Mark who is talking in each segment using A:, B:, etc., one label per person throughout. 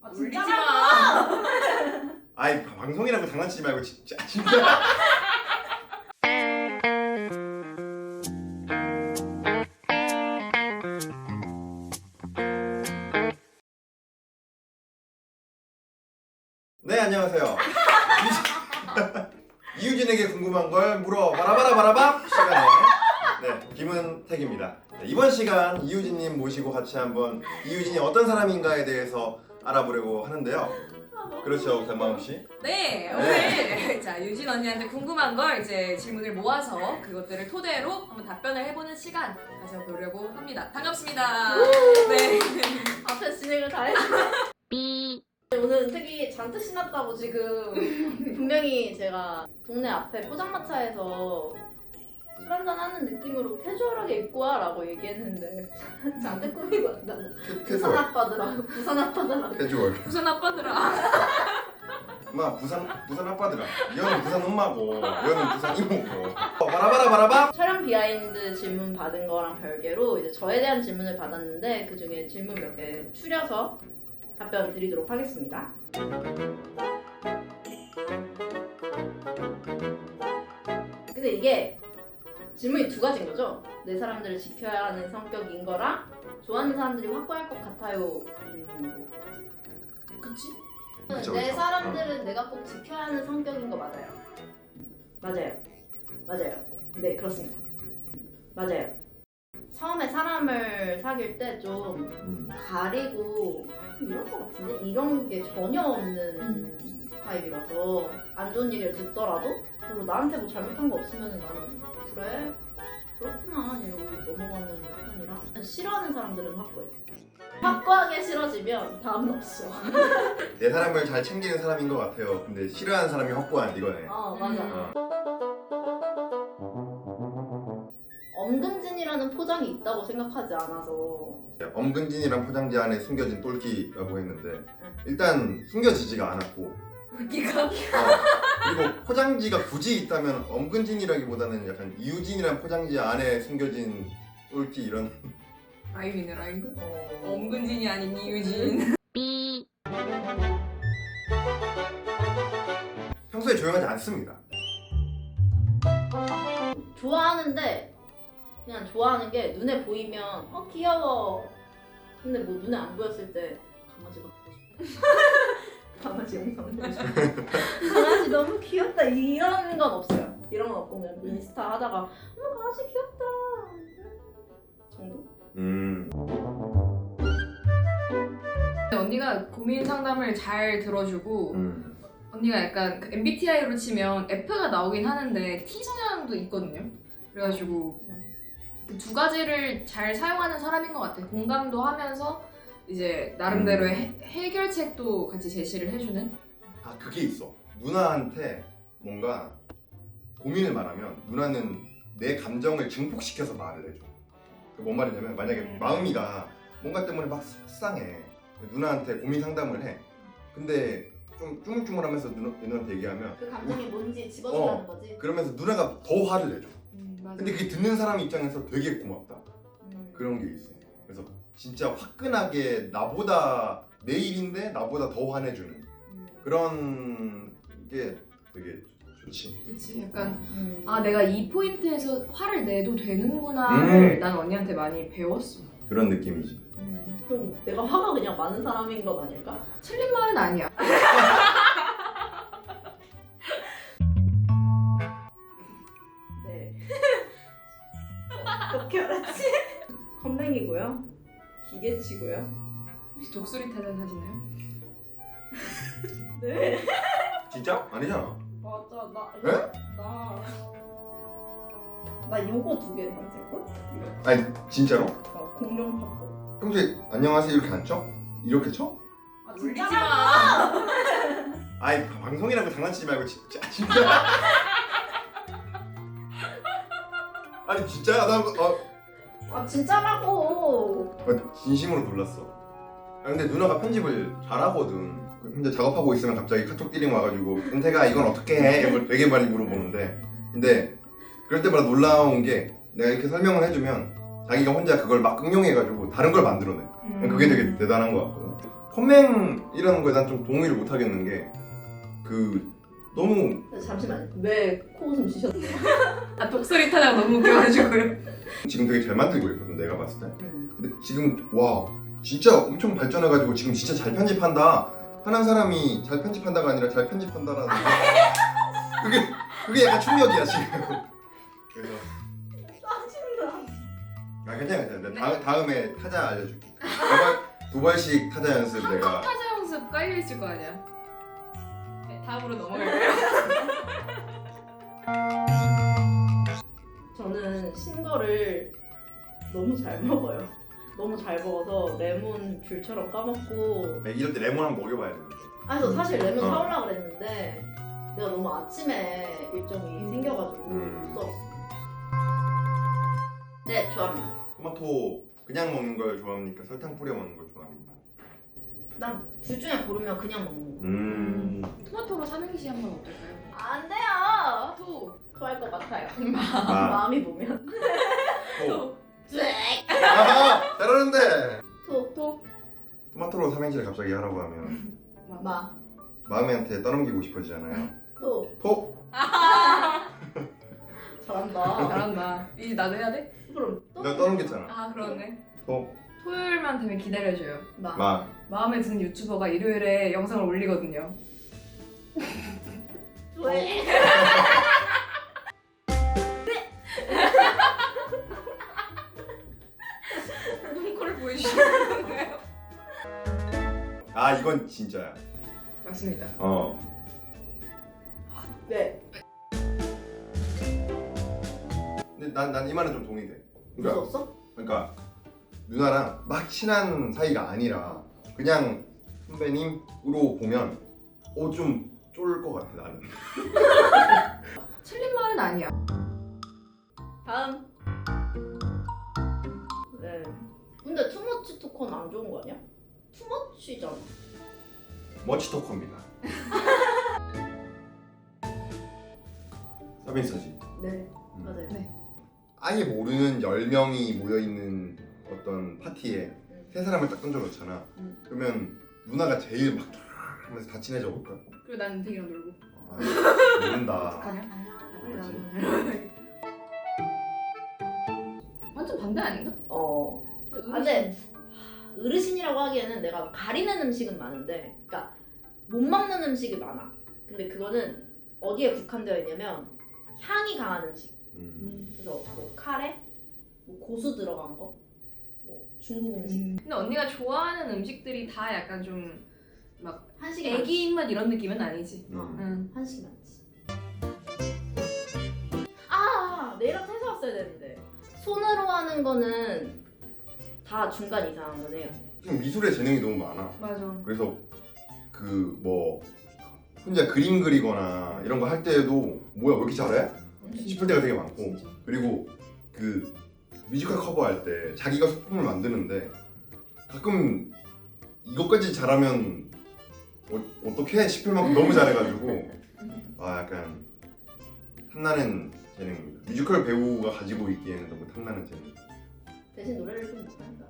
A: 아
B: 울리지
A: 진짜
B: 마.
C: 아이 방송이라고 장난치지 말고 진짜. 네, 안녕하세요. 이유진에게 궁금한 걸 물어 바라바라바라밥 시간에 김은택입니다. 이번 시간 이유진님 모시고 같이 한번 이유진이 어떤 사람인가에 대해서 알아보려고 하는데요. 그렇죠, 변마음 씨?
B: 네, 오늘 자 유진 언니한테 궁금한 걸 이제 질문을 모아서 그것들을 토대로 한번 답변을 해보는 시간 가져보려고 합니다. 반갑습니다. 네.
A: 앞에 진행을 다 했네. 오늘 되게 잔뜩 신났다고 지금 분명히 제가 동네 앞에 포장마차에서 술 한잔 하는 느낌으로 캐주얼하게 입고 와라고 얘기했는데 잔뜩 꾸미고 왔다고. 부산 아빠들아, 부산 아빠들아.
C: 캐주얼.
B: 부산 아빠들아.
C: 엄마 부산 아빠들아. 이거는 부산 엄마고 이거는 부산 이모고. 바라바라바라밥.
A: 촬영 비하인드 질문 받은 거랑 별개로 이제 저에 대한 질문을 받았는데 그 중에 질문 몇 개 추려서 답변 드리도록 하겠습니다. 근데 이게 질문이 두 가지인 거죠? 내 사람들을 지켜야 하는 성격인 거랑 좋아하는 사람들이 확고할 것 같아요.
B: 그치?
C: 그쵸,
A: 내
C: 그쵸.
A: 사람들은 내가 꼭 지켜야 하는 성격인 거 맞아요. 맞아요. 네, 그렇습니다. 맞아요. 처음에 사람을 사귈 때 좀 가리고 이런 거 같은데? 이런 게 전혀 없는 타입이라서 안 좋은 얘기를 듣더라도 별로 나한테 뭐 잘못한 거 없으면 나는 그래? 그렇구나 이러고 넘어가는 편이라 싫어하는 사람들은 확고해. 확고하게 싫어지면 다음은 없어.
C: 내 사람을 잘 챙기는 사람인 것 같아요. 근데 싫어하는 사람이 확고한 이거네.
A: 맞아. 엄근진이라는 포장이 있다고 생각하지 않아서
C: 엄근진이란 포장지 안에 숨겨진 똘끼라고 했는데 일단 숨겨지지가 않았고
B: 웃기가?
C: 그리고 포장지가 굳이 있다면 엄근진이라기보다는 약간 이유진이란 포장지 안에 숨겨진 똘끼 이런.
B: 라임이네 라임. 엄근진이 아닌 이유진.
C: 평소에 조용하지 않습니다.
A: 좋아하는데 그냥 좋아하는 게 눈에 보이면 귀여워. 근데 뭐 눈에 안 보였을 때 강아지가 보고 싶어. 강아지 영상 보고 싶어. 강아지 너무 귀엽다 이런 건 없어요. 이런 건 없고 그냥 인스타 하다가 어머 강아지 귀엽다 정도?
B: 언니가 고민 상담을 잘 들어주고 언니가 약간 그 MBTI로 치면 F가 나오긴 하는데 T 성향도 있거든요. 그래가지고 그 두 가지를 잘 사용하는 사람인 것 같아요. 공감도 하면서 이제 나름대로의 해결책도 같이 제시를 해주는.
C: 그게 있어. 누나한테 뭔가 고민을 말하면 누나는 내 감정을 증폭시켜서 말을 해줘. 뭔 말이냐면 만약에 마음이가 뭔가 때문에 막 속상해. 누나한테 고민 상담을 해. 근데 좀 쭈물쭈물하면서 누나한테 얘기하면
A: 그 감정이 뭔지 집어준다는 거지.
C: 그러면서 누나가 더 화를 내줘.
B: 맞아.
C: 근데 그게 듣는 사람 입장에서 되게 고맙다. 그런 게 있어. 그래서 진짜 화끈하게 나보다 내 일인데 나보다 더 화내주는 그런 게 되게 좋지.
B: 그치 약간 내가 이 포인트에서 화를 내도 되는구나를 난 언니한테 많이 배웠어.
C: 그런 느낌이지.
A: 그럼 내가 화가 그냥 많은 사람인 건 아닐까?
B: 틀린 말은 아니야.
A: 네. 어떻게 알았지? 컴맹이고요. 기계치고요.
B: 혹시 독수리 타자 사시나요?
A: 네.
C: 진짜? 아니잖아.
A: 맞아.
C: 에?
A: 나 요거 두 개만 쓸걸?
C: 아니 진짜로?
A: 공룡 팝콘.
C: 평소에 안녕하세요 이렇게 안 쳐? 이렇게 쳐?
B: 울리지 마.
C: 아이 방송이라고 장난치지 말고 진짜. 아니 진짜야? 나
A: 진짜라고.
C: 진심으로 놀랐어. 근데 누나가 편집을 잘하거든. 혼자 작업하고 있으면 갑자기 카톡 띠링 와가지고 은태가 이건 어떻게 해? 이런 걸 되게 많이 물어보는데 근데 그럴 때마다 놀라운 게 내가 이렇게 설명을 해주면 자기가 혼자 그걸 막 응용해가지고 다른 걸 만들어내. 그게 되게 대단한 것 같거든. 컴맹이라는 거에 난 좀 동의를 못 하겠는 게 그 너무
A: 잠시만 왜 코웃음 쉬셨어요?
B: 아 독소리 타다가 너무 웃겨가지고요.
C: 지금 되게 잘 만들고 있거든 내가 봤을 때. 근데 지금 와 진짜 엄청 발전해가지고 지금 진짜 잘 편집한다 하는 사람이 잘 편집한다가 아니라 잘 편집한다라는 그게 약간 충격이야 지금. 그래서
A: 짜증나.
C: 아 괜찮아. 다음에 타자 알려줄게. 두 발씩 타자 연습 내가.
B: 타자 연습 깔려 있을 거 아니야. 네, 다음으로 넘어갈게요.
A: 저는 신거를 너무 잘 먹어요. 너무 잘 먹어서 레몬 귤처럼 까먹고.
C: 이럴 때 레몬 한번 먹여봐야 되는데.
A: 그래서 사실 레몬
C: 어.
A: 사오려고 그랬는데 내가 너무 아침에 일정이 생겨가지고 못 써. 네, 좋아합니다.
C: 토마토 그냥 먹는 걸 좋아합니까? 설탕 뿌려 먹는 걸 좋아합니까?
A: 난 둘 중에 고르면 그냥 먹는 거.
B: 토마토로 삼행시 한번 어떨까요?
A: 안 돼요. 토할 것 같아요. 마음이 보면.
C: 토.
A: 쯧.
C: 아하! 잘하는데!
B: 토.
C: 토마토로 삼행시를 갑자기 하라고 하면 마음이한테 떠넘기고 싶어지잖아요. 토!
A: 잘한다.
B: 잘한다. 이제 나도 해야 돼?
A: 그럼
C: 내가 떠넘겼잖아.
B: 아 그러네.
C: 토.
B: 토요일만 되면 기다려줘요.
C: 마.
B: 마음에 드는 유튜버가 일요일에 영상을 올리거든요.
A: 왜?
B: 눈코를 보여주시는 건가요?
C: 아 이건 진짜야.
B: 맞습니다.
A: 네.
C: 근데 난 이 말은 좀 동의돼. 그러니까,
A: 무서웠어?
C: 그러니까 누나랑 막 친한 사이가 아니라 그냥 선배님으로 보면 좀 쫄 것 같아 나는.
B: 틀린 말은 아니야.
A: 다음. 네. 근데 투머치 토크는 안 좋은 거 아니야? 투머치잖아.
C: 머치토커입니다. 서빈스지.
A: 네, 맞아요.
B: 네.
C: 아예 모르는 10명이 모여있는 어떤 파티에 세 사람을 딱 던져놓잖아. 그러면 누나가 제일 막 하면서 다 친해져 볼까?
B: 그리고 난 은택이랑 놀고.
C: 아, 모른다.
B: 어떡하냐?
C: 그렇지.
B: 완전 반대 아닌가?
A: 근데 어르신이라고 하기에는 내가 가리는 음식은 많은데, 그러니까 못 먹는 음식이 많아. 근데 그거는 어디에 국한되어 있냐면 향이 강한 음식. 그래서 뭐 카레, 뭐 고수 들어간 거, 뭐 중국 음식,
B: 근데 언니가 좋아하는 음식들이 다 약간 좀 막
A: 한식이
B: 애기 입맛 이런 느낌은 아니지.
A: 한식 많지. 아, 내일 아트 해서 왔어야 되는데. 손으로 하는 거는 다 중간 이상은 해요.
C: 지금 미술에 재능이 너무 많아.
B: 맞아.
C: 그래서 그 뭐 혼자 그림 그리거나 이런 거 할 때에도 뭐야 왜 이렇게 잘해? 싶을 때가 되게 많고.
B: 진짜.
C: 그리고 그 뮤지컬 커버할 때 자기가 소품을 만드는데 가끔 이것까지 잘하면 어떻게 싶을 만큼 너무 잘해가지고 약간 탐나는 재능입니다. 뮤지컬 배우가 가지고 있기에는 너무 탐나는 재능.
A: 대신 노래를 좀 못한다.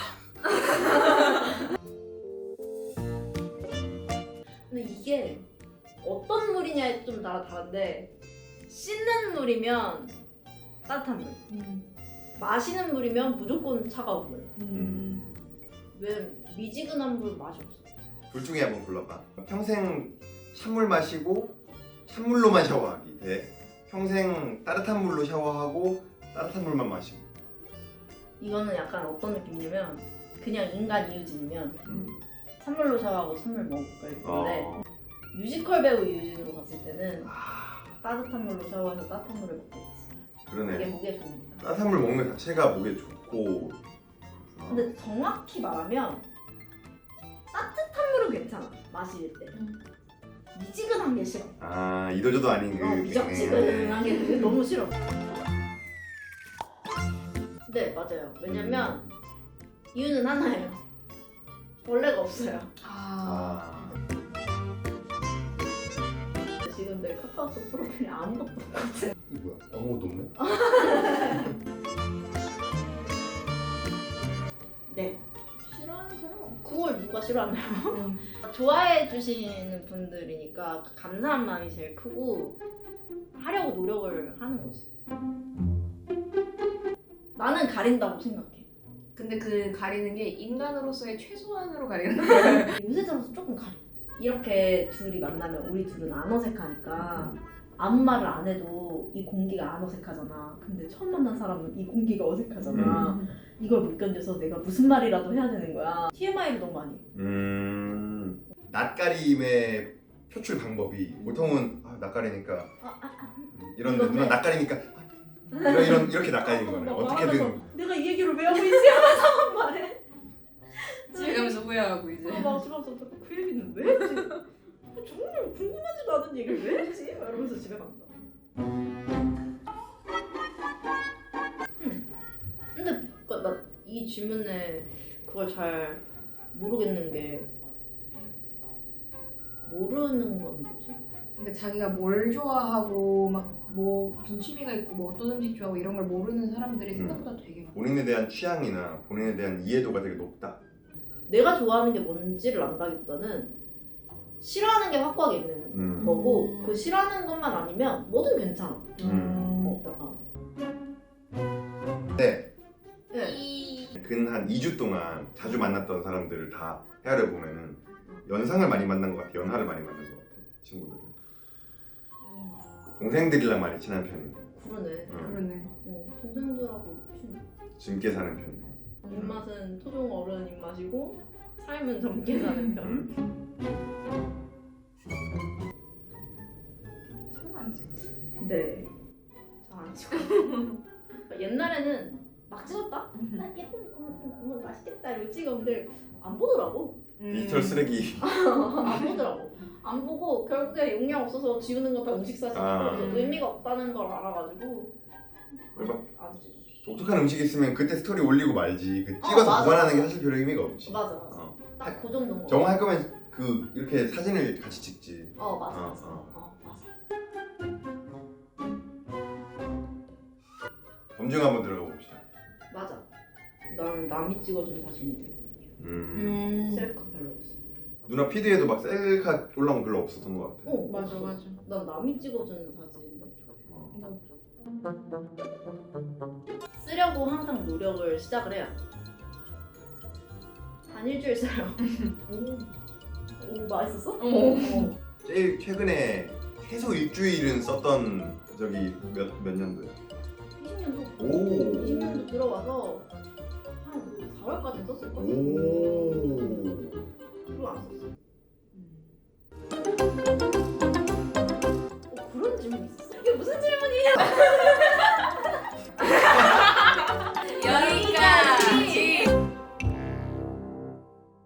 A: 근데 이게 어떤 물이냐에 좀 따라 다른데, 씻는 물이면 따뜻한 물, 마시는 물이면 무조건 차가운 물. 왜 미지근한 물 맛이 없어?
C: 둘 중에 한번 골라봐. 평생 찬물 마시고 찬물로만 샤워하기 대 평생 따뜻한 물로 샤워하고 따뜻한 물만 마시고.
A: 이거는 약간 어떤 느낌이냐면 그냥 인간 이유진이면 찬물로 샤워하고 찬물 먹을 건데 뮤지컬 배우 이유진으로 봤을 때는 따뜻한 물로 샤워해서 따뜻한 물을 먹겠지.
C: 그러네.
A: 이게 목에 좋으니까.
C: 따뜻한 물 먹는 것 자체가 목에 좋고.
A: 근데 정확히 말하면 따뜻한 물은 괜찮아, 마실 때. 미지근한 게 싫어.
C: 이도저도 아닌 그
A: 미적지근한 게 그게 너무 싫어. 네, 맞아요. 왜냐면 이유는 하나예요. 원래가 없어요. 지금 내 카카오톡 프로필에 아무것도 없거든.
C: 이게 뭐야? 아무것도 없네?
A: 네.
B: 싫어하는 사람 없지.
A: 그걸 누가 오빠 싫어하나요? 좋아해 주시는 분들이니까 감사한 마음이 제일 크고 하려고 노력을 하는 거지. 나는 가린다고 생각해.
B: 근데 그 가리는 게 인간으로서의 최소한으로 가리는 거야.
A: 요새 들어서 조금 가려. 이렇게 둘이 만나면 우리 둘은 안 어색하니까 아무 말을 안 해도 이 공기가 안 어색하잖아. 근데 처음 만난 사람은 이 공기가 어색하잖아. 이걸 못 견뎌서 내가 무슨 말이라도 해야 되는 거야. TMI를 너무 많이 해.
C: 낯가림의 표출 방법이 보통은 낯가리니까 이런
A: 이건데.
C: 누나 낯가리니까 이렇게 낯가리는 거네. 어떻게든
A: 내가 이 얘기를 왜 하고 있지 하면서 말해.
B: 집에 가면서 후회하고 이제.
A: 막 집에 가서 그 얘기는 왜 했지? 정말 궁금하지도 않은 얘기를 왜 했지? 막 이러면서 집에 간다. 근데 나 이 질문에 그걸 잘 모르겠는 게 모르는 건 뭐지?
B: 근데 자기가 뭘 좋아하고 막 뭐 무슨 취미가 있고 뭐 어떤 음식 좋아하고 이런 걸 모르는 사람들이 생각보다 되게 많아.
C: 본인에 대한 취향이나 본인에 대한 이해도가 되게 높다.
A: 내가 좋아하는 게 뭔지를 안다기보다는 싫어하는 게 확고하게 있는 거고 그 싫어하는 것만 아니면 뭐든 괜찮아.
C: 네.
A: 네.
C: 근 한 2주 동안 자주 만났던 사람들을 다 헤아려 보면은 연상을 많이 만난 것 같아. 연하를 많이 만난 것 같아. 친구들은. 동생들이랑 많이 친한 편이네.
A: 그러네.
B: 그러네.
A: 동생들하고
C: 젊게 사는 편이네.
A: 입맛은 토종 어른 입맛이고 삶은 젊게 사는 편.
B: 손 안 찍지.
A: 네. 잘 안 찍어. 옛날에는 막 찍었다? 나 예쁜 거 맛있겠다 이러고 찍었는데 안 보더라고.
C: 디지털 쓰레기.
A: 안 보더라고. 안 보고 결국에 용량 없어서 지우는 거 다 음식 사진. 그래서 의미가 없다는 걸 알아가지고 안 찍어.
C: 독특한 음식 있으면 그때 스토리 올리고 말지. 그 찍어서
A: 맞아,
C: 보관하는 게
A: 맞아.
C: 사실 별 의미가 없지.
A: 맞아. 딱 그 정도인 거.
C: 정화 할 거면 그 이렇게 사진을 같이 찍지.
A: 맞아.
C: 검증 한번 들어가 봅시다.
A: 맞아. 나는 남이 찍어준 사진이 돼. 셀카 별로 없어.
C: 누나 피드에도 막 셀카 올라온 거 별로 없었던 것 같아.
B: 맞아.
A: 난 남이 찍어주는 사진 쓰려고 항상 노력을 시작을 해요. 한 일주일 써요. 오 맛있었어?
C: 제일 최근에 최소 일주일은 썼던 적이 몇 년도야?
A: 20년도.
C: 오.
A: 20년도 들어와서 한 4월까지 썼을 거야.
C: 오.
A: 그리고 안 썼어. 그런 질문 있었어? 이게 무슨 질문이야?